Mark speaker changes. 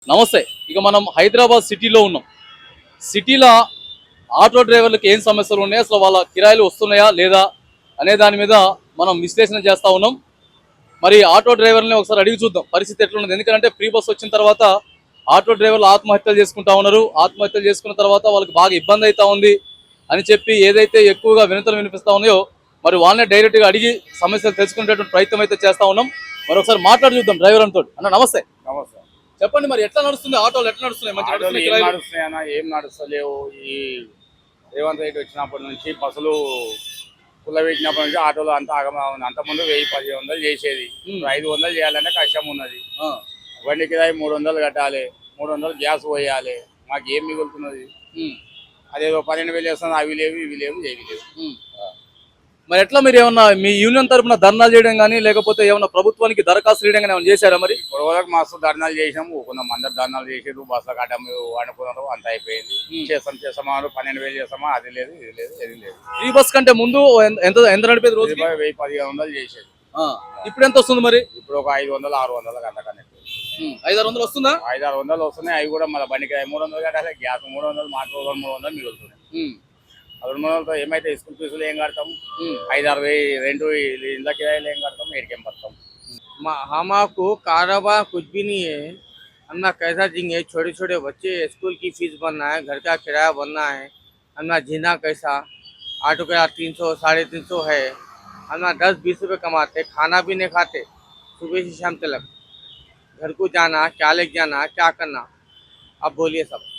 Speaker 1: నమస్తే. ఇక మనం హైదరాబాద్ సిటీలో ఉన్నాం. సిటీలో ఆటో డ్రైవర్లకు ఏం సమస్యలు ఉన్నాయి, అసలు వాళ్ళ కిరాయిలు వస్తున్నాయా లేదా అనే దాని మీద మనం విశ్లేషణ చేస్తూ ఉన్నాం. మరి ఆటో డ్రైవర్లని ఒకసారి అడిగి చూద్దాం పరిస్థితి ఎట్లున్నది. ఎందుకంటే ఫ్రీ బస్ వచ్చిన తర్వాత ఆటో డ్రైవర్లు ఆత్మహత్యలు చేసుకుంటా ఉన్నారు. ఆత్మహత్యలు చేసుకున్న తర్వాత వాళ్ళకి బాగా ఇబ్బంది అవుతా ఉంది అని చెప్పి ఏదైతే ఎక్కువగా వినతులు వినిపిస్తా ఉన్నాయో మరి వాళ్ళనే డైరెక్ట్గా అడిగి సమస్యలు తెలుసుకునేటువంటి ప్రయత్నం అయితే చేస్తూ ఉన్నాం. మరి ఒకసారి మాట్లాడి చూద్దాం డ్రైవర్ అంతో. అన్న నమస్తే.
Speaker 2: నమస్తే.
Speaker 1: చెప్పండి, మరి ఎట్లా నడుస్తుంది ఆటోలు, ఎట్లా నడుస్తున్నాయి? మంచి
Speaker 2: ఆటోలు
Speaker 1: నడుస్తున్నాయి
Speaker 2: ఏం
Speaker 1: కిరాయిలు?
Speaker 2: నడుస్తున్నాయన్నా, ఏం నడుస్తలేవు. ఈ రేవంత్ రెడ్డి వచ్చినప్పటి నుంచి బస్సులు కుల్లబెట్టినప్పటి నుంచి ఆటోలు అంతా ఆగమా ఉంది. అంతకుముందు 1000-1500 చేసేది, ఇప్పుడు 500 చేయాలంటే కష్టం ఉన్నది.
Speaker 1: ఆ,
Speaker 2: బండి కిరాయి 300 కట్టాలి, 300 గ్యాస్ పోయాలి. మాకు ఏం మిగులుతున్నది?
Speaker 1: ఉమ్,
Speaker 2: అదేదో 12,000 చేస్తుంది, అవి లేవు ఇవి లేవు ఏవి లేవు.
Speaker 1: ఉమ్. మరి ఎట్లా మీరు ఏమన్నా మీ యూనియన్ తరపున ధర్నాలు చేయడం కానీ లేకపోతే ఏమన్నా ప్రభుత్వానికి దరఖాస్తు చేయడం కానీ ఏమైనా చేశారా? మరి
Speaker 2: ఇప్పుడు వరకు మస్తు ధర్నాలు చేసినాము, కొందరు అందరు ధర్నాలు చేసారు, బస్సుల కట్టము అనుకున్నారు, అంత అయిపోయింది. చేస్తామా 12,000 చేస్తామా, అది లేదు ఇది లేదు ఏది లేదు.
Speaker 1: ఫ్రీ బస్ కంటే ముందు ఎంత ఎంత నడిపేది రోజు?
Speaker 2: 1000-1500 చేసేది.
Speaker 1: ఇప్పుడు ఎంత వస్తుంది మరి?
Speaker 2: ఇప్పుడు ఒక 500-600 అంతకన్నా
Speaker 1: 500-600 వస్తుందా?
Speaker 2: 500-600 వస్తున్నాయి. అవి కూడా మన బండికి 300 కట్టాలి, గ్యాస్ 300, మాకు 300 మిగులుతున్నాయి. 300తో ఏమైతే స్కూల్ ఫీజులు ఏం కడతాం, 5-6 రెండు ఇళ్ళ కిరాయిలు ఏం కడతాం, ఏడికేం పడతాం.
Speaker 3: हमारा कारोबार कुछ भी नहीं है। हम ना कैसा जींगे, छोटे छोटे बच्चे स्कूल की फीस भरना है, घर का किराया भरना है, हम ना जीना कैसा। ऑटो का 300-350 है, हम ना 10-20 रुपये कमाते, खाना भी नहीं खाते, सुबह से शाम तक घर को जाना, क्या लेके जाना, क्या करना, अब बोलिए सब।